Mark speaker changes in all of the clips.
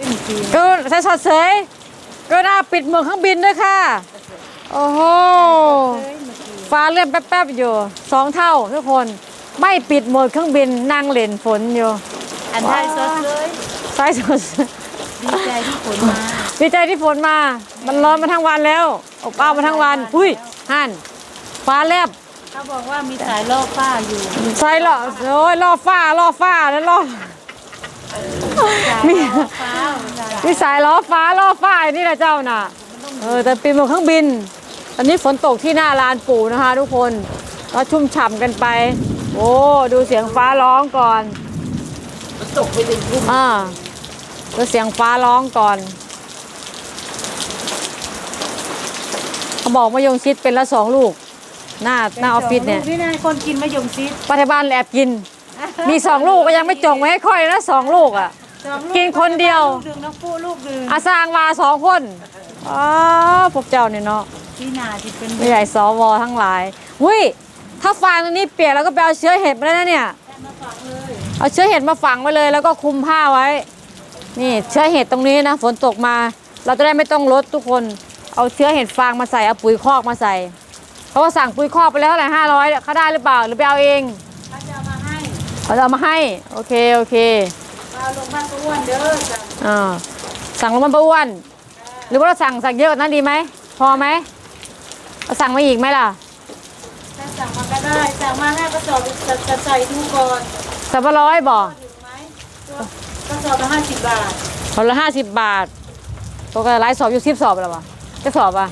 Speaker 1: ก็ใส่สอดเสยก็น่าปิดเมืองเครื่องบินด้วยค่ะโอ้โหฟ้าเลื่อนแป๊บๆอยู่2 เท่าทุกคนไม่ปิดโหมดเครื่องบินนั่งเล่นฝนอยู่
Speaker 2: อันไทยสดเลย
Speaker 1: ใส่สด
Speaker 2: ดีใจที่ฝนมา
Speaker 1: ดีใจที่ฝนมามันร้อนมาทั้งวันแล้วอบอ้าวมาทั้งวันอุ้ยหั่นฟ้าแลบ
Speaker 2: เขาบอกว่ามีสายล่อฟ้าอยู่
Speaker 1: ใช่หรอโอ้ยล่อฟ้าแล้วล่อมีสายล้อฟ้านี่แหละเจ้าน่ะแต่ปีนบนเครื่องบินตอนนี้ฝนตกที่หน้าลานปู่นะคะทุกคนก็ชุ่มฉ่ำกันไปโอ้ดูเสียงฟ้าร้องก่อน
Speaker 2: ตกไปถึงทุ่ม
Speaker 1: ดูเสียงฟ้าร้องก่อนเขาบอกมะยงชิดเป็นละ2 ลูกหน้าออฟฟิศเนี่ย
Speaker 2: นี่นายคนกินมะยงชิด
Speaker 1: ปัจจุบันแอบกินมี2 ลูกก็ยังไม่จงไว้ให้ค่อยนะ2 ลูกอ่ะกินคนเดียว
Speaker 2: น้องปูลูกนึง
Speaker 1: อาสร้างมา2 คนพวกเจ้าเนี่ยเนาะ
Speaker 2: ที่นาที่เป็น
Speaker 1: ใหญ่สวทั้งหลายวุ้ยถ้าฟางตรงนี้เปียกแล้วก็ไปเอาเชื้อเห็ดมาได้นะเนี่ยเอาเชื้อเห็ดมาฝังไว้เลยแล้วก็คลุมผ้าไว้นี่เชื้อเห็ดตรงนี้นะฝนตกมาเราจะได้ไม่ต้องลดทุกคนเอาเชื้อเห็ดฟางมาใส่เอาปุ๋ยคอกมาใส่เพราะว่าสั่งปุ๋ยคอกไปแล้วเท่าไหร่500เขาได้หรือเปล่าหรือไปเอาเอง
Speaker 2: เขาจะเอามา
Speaker 1: ให้โอเค
Speaker 2: เอาลงบ้านป้าอ้วนเด้อ
Speaker 1: สั่งลงบ้านป้าอ้วนหรือว่าเราสั่งเยอะกว่านั้นดีไหมพอไหมเราสั่งมาอีกไหมล่ะ
Speaker 2: ถ้าสั่งมาก็ได้สั่งมา5 กระสอบจะใส่ดูก่อน
Speaker 1: 300บ่
Speaker 2: ถึงไหมกระสอบละ50 บาท
Speaker 1: คนละ50 บาทตัวก็ไลฟ์สอบอยู่10 สอบแล้ววะจะสอบอ่ะ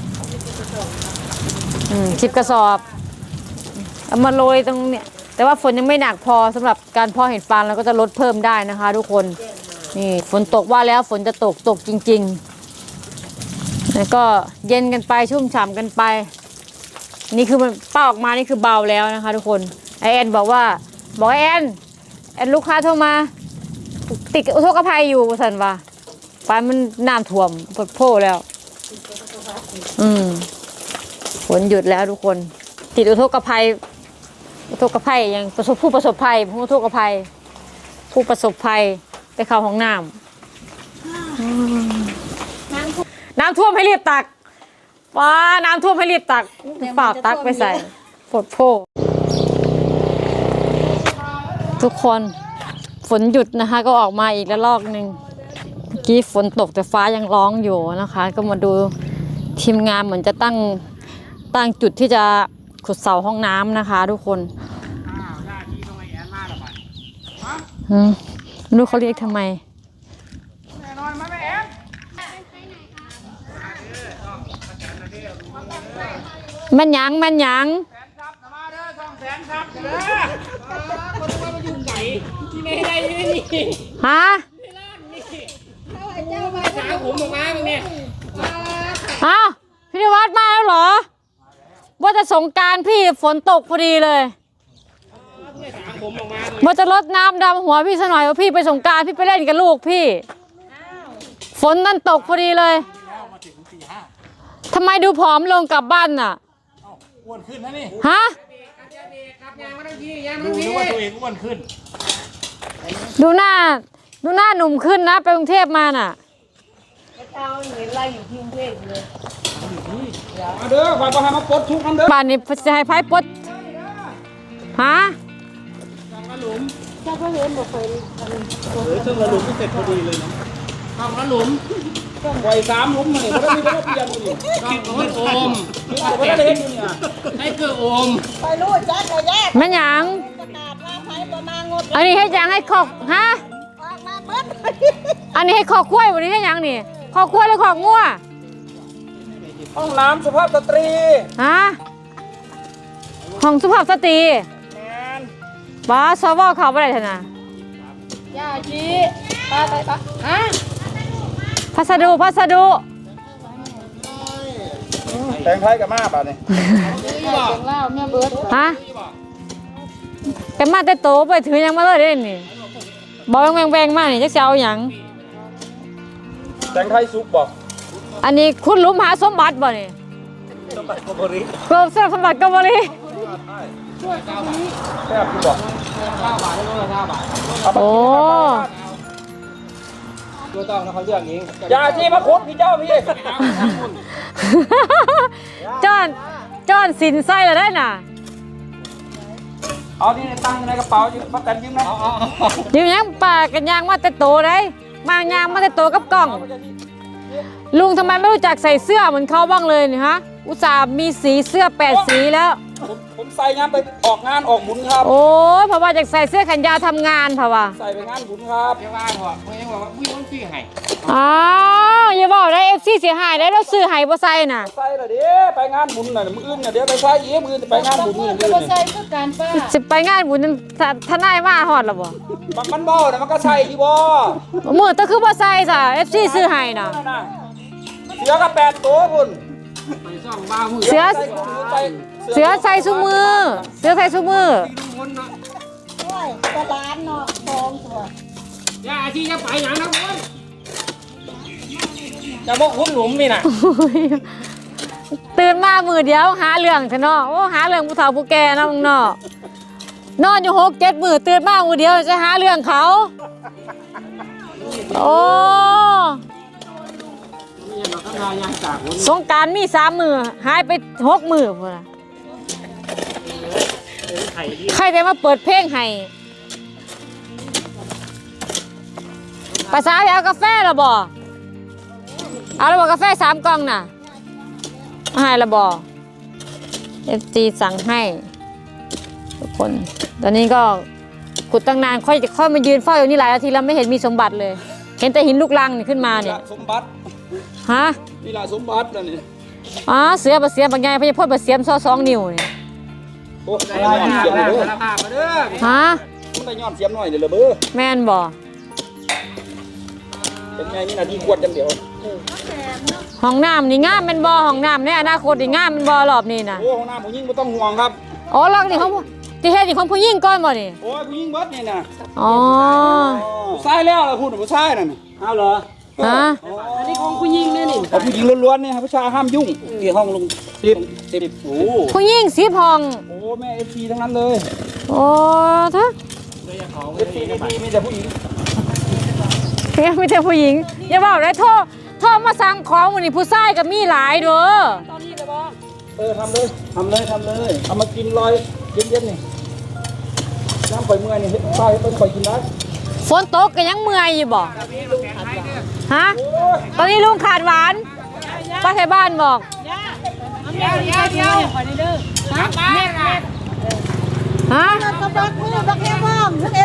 Speaker 1: 10 กระสอบเอามาโรยตรงเนี้ยแต่ว่าฝนยังไม่หนักพอสำหรับการเพาะเห็ดฟางเราก็จะลดเพิ่มได้นะคะทุกคนนี่ฝนตกว่าแล้วฝนจะตกจริงๆแล้วก็เย็นกันไปชุ่มฉ่ำกันไปนี่คือมันป้าออกมานี่คือเบาแล้วนะคะทุกคนไอแอนบอกไอแอนลูกค้าโทรมาติดอุทกภัยอยู่สันว่าฟ้ามันน้ำท่วมปดโผล่แล้วฝนหยุดแล้วทุกคนติดอุทกภัยยังผู้ประสบภัยผู้ทุกข์ภัยผู้ประสบภัยไปเข้าห้องน้ำท่วมให้รีบตักป้าน้ำท่วมให้รีบตักฝากตักไปใส่ปดโพทุกคนฝนหยุดนะคะก็ออกมาอีกแล้วรอบนึงเมื่อกี้ฝนตกแต่ฟ้ายังร้องอยู่นะคะก็มาดูทีมงานเหมือนจะตั้งจุดที่จะขุดเสาห้องน้ำนะคะทุกคนรู้เขาเรียกทำไมมันยังฮะอ้าวพี่นิวัฒน์มาแล้วเหรอว่าจะสงกรานต์พี่ฝนตกพอดีเลยว่าจะรดน้ำดำหัวพี่ซะหน่อยว่าพี่ไปสงกรานต์พี่ไปเล่นกับลูกพี่ฝนนั่นตกพอดีเลยทำไมดูผอมลงกลับบ้านน่ะ
Speaker 3: อ้วนขึ้นนะนี่
Speaker 1: ฮะ
Speaker 3: ดูว่าตัวเองอ้วนขึ้น
Speaker 1: ดูหน้าหนุ่มขึ้นนะไปกรุงเทพมาน่ะ
Speaker 2: เช้าเห็นอะไรอยู่ที่กรุงเทพเลย
Speaker 3: มาเด้อฝ่ายประหารมาปลดทุกคนเด้อ
Speaker 1: บ้านนี้จะให้ไพ่ปลดฮะ
Speaker 3: หลุม
Speaker 2: ถ้าเขาเห็นบอกไป
Speaker 3: เครื่องละหลุมเสร็จพอดีเลยเนาะทำละหลุมปล่อย3 หลุมมาเนี่ยเขาไม่ได้เปลี่ยนเลยคิดว่าโอมไม่ได้เล่นอยู่เนี่ยให้เกลือโอม
Speaker 2: ไปรู้จักเลยแยก
Speaker 1: แม่ยังอันนี้ให้ยังให้ขอกฮะอันนี้ให้ขอกกล้วยวันนี้ให้ยังนี่ขอกกล้วยหรือขอกงัว
Speaker 3: ห้องน้ำสุภาพสตรี
Speaker 1: ฮะห้องสุภาพสตรีบ้าซอวอเขาไปไหนเถอะนะ
Speaker 2: ย่าจีไปฮะ
Speaker 1: พัสดุ
Speaker 3: แตงไทยกับมาป่ะนี่
Speaker 1: ฮะแต่มาแต่โตไปถือยังมาเลยเด่นนี่บอกแวงมากนี่จะเอาอย่าง
Speaker 3: แตงไทยซุปบอก
Speaker 1: อันนี้คุณลุมหาสมบัติบ่นี่
Speaker 3: สมบัติกบริ
Speaker 1: สมบัติกบริ
Speaker 3: ช่วย9 บาทแค่พี่บอก9 บาทให้ลดละ9 บาท
Speaker 1: โอ้
Speaker 3: ไม่ต้องนะเขาเลือกเองอย่าที่มาคุดพี่เจ้าพี่
Speaker 1: จอนสินไส้แล้วได้น่ะ
Speaker 3: เอาที่ตั้งในกระเป๋าป้าแตนยิ้มนะ
Speaker 1: ยืมยังป่ากันยางมาแต่โตได้มายางมาแต่โตกับกล่อง ลุงทำไมไม่รู้จักใส่เสื้อเหมือนเขาบ้างเลยเนี่ยฮะ อุตส่าห์มีสีเสื้อ8 สีแล้ว
Speaker 3: ผมใส่งานไปออกงานออกบุญครับ
Speaker 1: โอ้ยเพราะว่าจากใส่เสื้อแขนยาวทำงานเพราะว่า
Speaker 3: ใส่ไปงานบุญครับ
Speaker 4: เดี๋ยวว่าหัวเขาเองว่าวิ่งต้องซื้อให้
Speaker 1: อ้าวอย่าบอกได้ FC เสียหายได้แล้วซื้อให้บ่ใส่น่ะ
Speaker 3: ใส่ละเดี๋ยวไปงานบุญน่ะมื้ออื่นน่ะเดี๋ยวไปใส่อีกมื้ออื่นไปงานบุญ
Speaker 2: พู
Speaker 3: มื้
Speaker 2: ด
Speaker 3: อ
Speaker 2: ก็
Speaker 3: อื่น
Speaker 2: บ่ใส่คือการป้า
Speaker 1: สิไปงานบุญนั้นทนายมาฮอดแล้วบ่
Speaker 3: มันบ่น่ะมันก็ใส่ที่บ่
Speaker 1: มื้อตะคือบ่ใส่ซะ FC ซื้อให้น่ะ
Speaker 3: นั่นน่ะเสือก็8ตัวพุ่น
Speaker 4: ไปซ่องบ้ามือ
Speaker 1: เสือ
Speaker 3: ใส่ถุงมือใส่
Speaker 1: เสือใส่ซุมือ เสือใส่ซุมือ
Speaker 4: ดูคนเนาะ
Speaker 2: โอ้ยตะล้านเนาะทองตัว
Speaker 4: อย่าอาชีจะไปอย่างนะคนจะบอกคุณหลุมนี่นะ
Speaker 1: ตื่นมามือเดียวหาเรื่องเถอะเนาะโอ้หาเรื่องผู้เฒ่าผู้แก่เนาะมึงเนาะนอนอยู่6-7 มื้อตื่นมามือเดียวจะหาเรื่องเขา โอ้
Speaker 4: นี่มาข้างหน้ายางจากคน
Speaker 1: สงกรานต์มี3 มื้อหายไป6 มื้อพุ่นน่ะ
Speaker 4: ไข่ที่
Speaker 1: ใครจะมาเปิดเพลงให้ภาษาไปเอากาแฟเหรอบ่เอาแล้วบ่กาแฟ3 กล่องน่ะเอาให้ละบ่ FG สั่งให้ทุกคน ตอนนี้ก็ขุดตั้งนานค่อยมายืนเฝ้าอยู่นี่หลายนาทีแล้วไม่เห็นมีสมบัติเลย เห็นแต่หินลูกรังนี่ขึ้นมา
Speaker 3: นี่
Speaker 1: เนี่ย
Speaker 3: ล่ะสมบัติ
Speaker 1: ฮะ
Speaker 3: นี่ล่ะสมบัตินั่นนี่
Speaker 1: อ๋อเสือบะเสียบางไงพญาพดบะเสียมซอ2 นิ้วนี่
Speaker 3: โอ้
Speaker 4: ได้
Speaker 3: ได้
Speaker 4: มา
Speaker 3: เสียม
Speaker 4: ได้
Speaker 3: เลยเด้อ
Speaker 4: สารภาพมาเด้อ
Speaker 1: ฮะ
Speaker 3: มันได้ย้อนเสียมหน่อยเด้อเบ้อ
Speaker 1: แม่นบ่
Speaker 3: เป็นไงนี่น่ะที่ขวดจังเดียว
Speaker 1: ห้องน้ำนี่งามเป็นบ่ห้องน้ำในอนาคตนี่งามเป็นบ่รอบนี้นะ
Speaker 3: โอ้ห้องน้ำผู้หญิงบ่ต้องห่วงครับ
Speaker 1: อ๋อรอบนี้ของที่เฮ็ดนี่ของผู้หญิงก่อนบ่นี่
Speaker 3: โอ้ยผู้หญิงเบิดนี่น่ะ
Speaker 1: อ๋อ
Speaker 3: ผู้ชายแล้วล่ะพูดถึงผู้ชายนั่นน่ะเอาเหรอ
Speaker 1: ฮะ
Speaker 4: อันนี้ของผู้หญิงเนี่ยนี่
Speaker 3: เอาผู้หญิงล้วนๆเนี่ยครับผู้ชายห้ามยุ่งนี่ห้องลง10โอ้
Speaker 1: ผู้หญิง10 ห้อง
Speaker 3: โอ้แม่ FC ทั้งนั้นเลย
Speaker 1: โอ้เถอะ
Speaker 3: FC มีแต่ผู้หญิง
Speaker 1: มีแต่ผู้หญิงอย่าบอกได้โทรมาสั่งของมื้อนี้ผู้ชายก็มีหลายเด้อ
Speaker 3: ทำเลยเอามากินลอยเย็นๆนี่น้ำข่อยเมื่อยนี่ใส่ไปข่อยกินได้
Speaker 1: ฝนตกก็ยังเมื่อยอยู่บ่ฮะตอนนี้ลุงขาดหวานป้าไทยบ้านบอก
Speaker 2: เดี๋ยวขอได้เด้อฮะแม่ค่ะ
Speaker 1: ฮะ
Speaker 2: กระบักมือบักแค่พ่อมเอ็น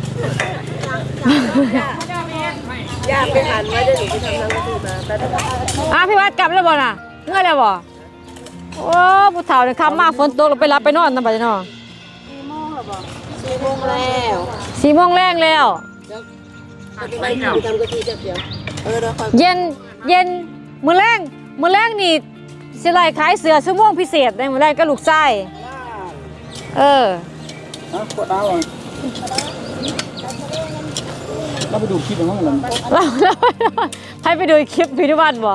Speaker 2: ย่าไปหันไว้ได้หนูไปทำน้ำกะทิมาแต่ถ้า
Speaker 1: พี่วัดกลับแล้วบ่น่ะเมื่อแล้วบ่โอ้ผู้เฒ่าเนี่ยคำมาฝนตกเราไปรับไปนอนนำบัดนี้เนาะ
Speaker 2: 4 โมงแล้ว
Speaker 1: 4 โมงแรงแล้ว
Speaker 2: ไปทำกะทิจับเดี๋ยวเดี๋ยวคอย
Speaker 1: เย็นมื้อแรงนี่สิไล่ขายเสือชั่วโมงพิเศษได้มื้อแรงก็ลูกชายเออ
Speaker 3: นะขวดน้ำก่อนเราไปดูคลิปของมัน
Speaker 1: เราให้ไปดูคลิปพิธีวัฒน์บ่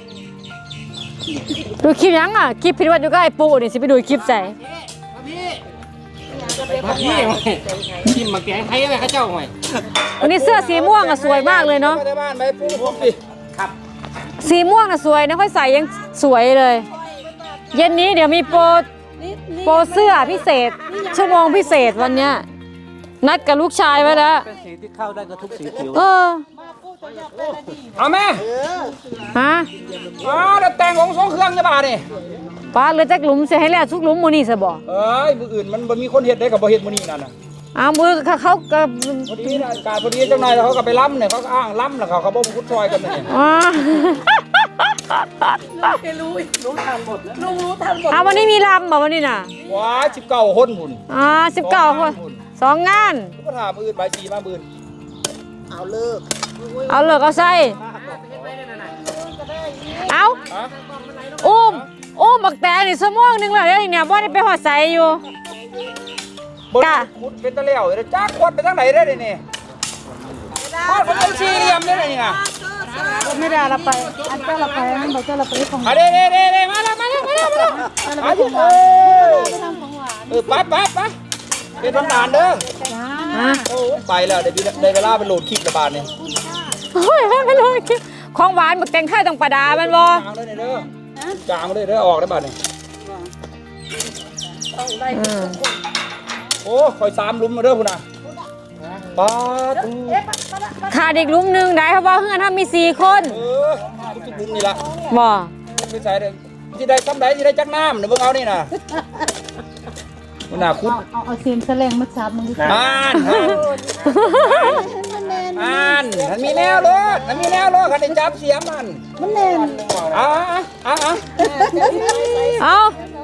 Speaker 1: ดูคลิปยังอ่ะคลิปพิธีวัฒน์อยู่กับไอ้ปู่นี่สิไปดูคลิปใส่
Speaker 4: พี่ชิมมาแกงไทยอะไรข้าเจ้าหน่อย
Speaker 1: วันนี้เสื้อสีม่วงอ่ะสวยมากเลยเนาะ
Speaker 3: ไปบ้านไปปูผมดิครับ
Speaker 1: สีม่วงน่ะสวยนะค่อยใส่ยังสวยเลย เย็นนี้เดี๋ยวมีโปรเสื้อพิเศษ ชั่วโมงพิเศษวันเนี้ยนัดกับลูกชายไว้แล้ว
Speaker 3: เป็นสีที่เข้าได้กับทุกสีผิว
Speaker 1: เออ
Speaker 3: เอาแม่
Speaker 1: ฮะ
Speaker 3: แล้วแต่งของสองเครื่องจะบาดนี่
Speaker 1: ป้าเหลือจักหลุมเสียให้แล้วทุกหลุมมื้อนี้ซะบ่
Speaker 3: เอ้ยมืออื่นมันบ่มีคนเฮ็ดได้กับบ่เฮ็ดมื้อนี้นั่นน่ะ
Speaker 1: อ้าวมือเขาก็
Speaker 3: พอดีนะอากาศพอดีเจ้านายเขาก็ไปล้ำเนี่ยเขาก็อ้างล้ำแล้วเขาบ่พุดซอยกันเนี่ย
Speaker 1: อ๋อเอาวันนี้มีลำบ่วันนี้น่ะ
Speaker 3: ว้า19คนพุ่น
Speaker 1: อ๋อ19 คน2 งาน
Speaker 3: ก็ถามมื้ออื่นใบสีมามื้ออื่น
Speaker 1: เอาเลิกเอาใส่เอา
Speaker 3: ฮะ
Speaker 1: อุ้มบักแตงนี่ชั่วโมงหนึงแล้วเด้อเนี่ยบ่ได้ไปหอดใส่อยู่
Speaker 3: บ่
Speaker 1: กะ
Speaker 3: มุดเป็นตะแล้วเด้จักควัดไปทางไหนได้นี่ฮอดมันเป็นสี่เหลี่ยมได้นี่น่ะ
Speaker 2: ไม่ได้ละไปอันเจ้าละไปอันบอกเจ้าละไปของ
Speaker 3: เด้มาแล้วมาอยู่ไปเป็นทำงานเด้อ
Speaker 1: ฮะ
Speaker 3: โอ้ไปแล้วได้เวลาไปโหลดคลิประบาดนี่
Speaker 1: โอ้ยไม่รู้ของหวานบักแตงไทยต้องประดามันบ่
Speaker 3: จางเลยเด้อจางเลยเด้อออกได้บัดนี่
Speaker 1: อืม
Speaker 3: โอ้คอย3หลุมมาเด้อพุ่นน่ะปาด
Speaker 1: ขาดอีกหลุมหนึงได้เพราะว่าเฮือนเฮามี4คน
Speaker 3: ทุกหลุมนี่ล่ะ
Speaker 1: บ่
Speaker 3: ไปใส่เด้อสิได้ซ้ำใดสิได้จักน้ำเดี๋ยวเบิ่งเอานี่น่ะพุ่นน่ะคุด
Speaker 2: เอาเสียมแสลงมาจับมึงดิ
Speaker 3: มันมีแนวรถมันมีแนวรถคันได้จับเสียมัน
Speaker 2: มันแน่น
Speaker 1: เอา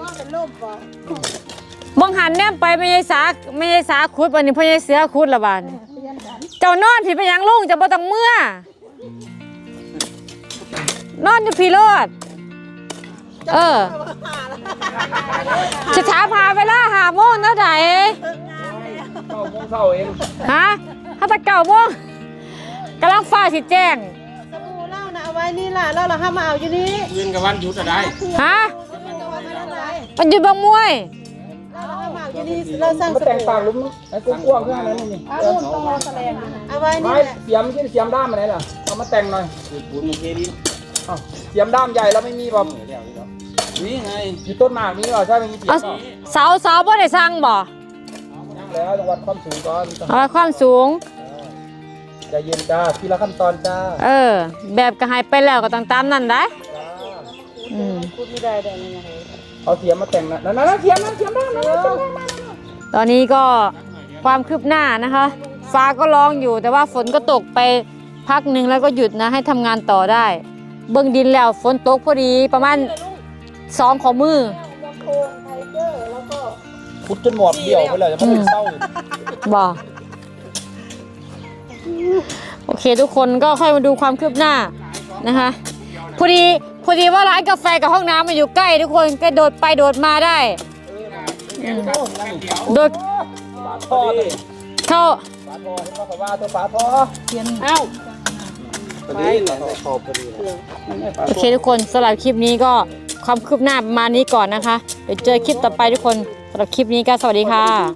Speaker 1: บังหันแนมไปไม่ใช่สาขุดบัดนี้พ่อใหญ่เสือขุดละบาดนี้เจ้านอนพี่ไปหยังลุงจะบ่ต้องเมื่อนอนอยู่พี่โลดจะถามหาเวลา5 โมงเท่าไหร่
Speaker 3: เศร้าเอง
Speaker 1: ฮะถ้าตะ9 โมงกำลังฟ้าสิแจ้ง
Speaker 2: สบู่เล่านะเอาไว้นี่ล่ะแล้วเราห้ามมาเอาอยู่นี่
Speaker 4: ยืนกับวันหยุดอะไร
Speaker 1: ฮะ
Speaker 2: เอาไว้ไม่ได้
Speaker 1: มันอยู่บางมวย
Speaker 2: เราห้ามมาเอาอยู่นี่เราสร้าง
Speaker 3: มาแต่งปากลุมไอ้กุ้งกว้างข้างนั้นนี่
Speaker 2: เอาไว้
Speaker 3: ไม้
Speaker 2: นี่แหละ
Speaker 3: เสียมที่เสียมด้ามมาไหนล่ะเอามาแต่งหน่อย
Speaker 4: ปูนเทดิน
Speaker 3: เสียมด้ามใหญ่แล้วไม่มีแบบ
Speaker 4: นี่ไง
Speaker 3: อยู่ต้นหมากนี้เหรอใช่ไม่มีเสียม
Speaker 1: เอา
Speaker 3: หรอ
Speaker 1: เสาบ่ได้สั่งบ่
Speaker 3: ยังแล้วจังหวัดความสูงก่อน
Speaker 1: เอาไว้ความสูง
Speaker 3: ใจเย็นจ้าทีละขั้นตอนจ้า
Speaker 1: แบบก็ให้ไปแล้วก็ต้องตามนั่นได้อืม
Speaker 2: พูดไม่ได้ได้ยังไง
Speaker 3: เอาเสียมมาแต่งนั่นเสียมด้ามนั่น
Speaker 1: ตอนนี้ก็ความคืบหน้านะคะ ฟ้าก็ร้องอยู่แต่ว่าฝนก็ตกไปพักหนึ่งแล้วก็หยุดนะให้ทำงานต่อได้ เบื้องดินแล้วฝนตกพอดีประมาณ2 ข้อมือ
Speaker 3: พุดจนหมวกเดี่ยวไปเลยจะไม่เป็นเศร้า
Speaker 1: บ่โอเคทุกคนก็ค่อยมาดูความคืบหน้านะคะพอดีว่าร้านกาแฟกับห้องน้ำมันอยู่ใกล้ทุกคนก็โดดไปโดดมาได้โดด
Speaker 3: พ่อดิ
Speaker 1: เข้า
Speaker 3: ฝาทอเห็นว่าตัวฝาทอ
Speaker 2: เอ้า
Speaker 4: พอดีขอบพอดี
Speaker 1: โอเคทุกคนสำหรับคลิปนี้ก็ความคืบหน้าประมาณนี้ก่อนนะคะเดี๋ยวเจอคลิปต่อไปทุกคนสำหรับคลิปนี้ก็สวัสดีค่ะ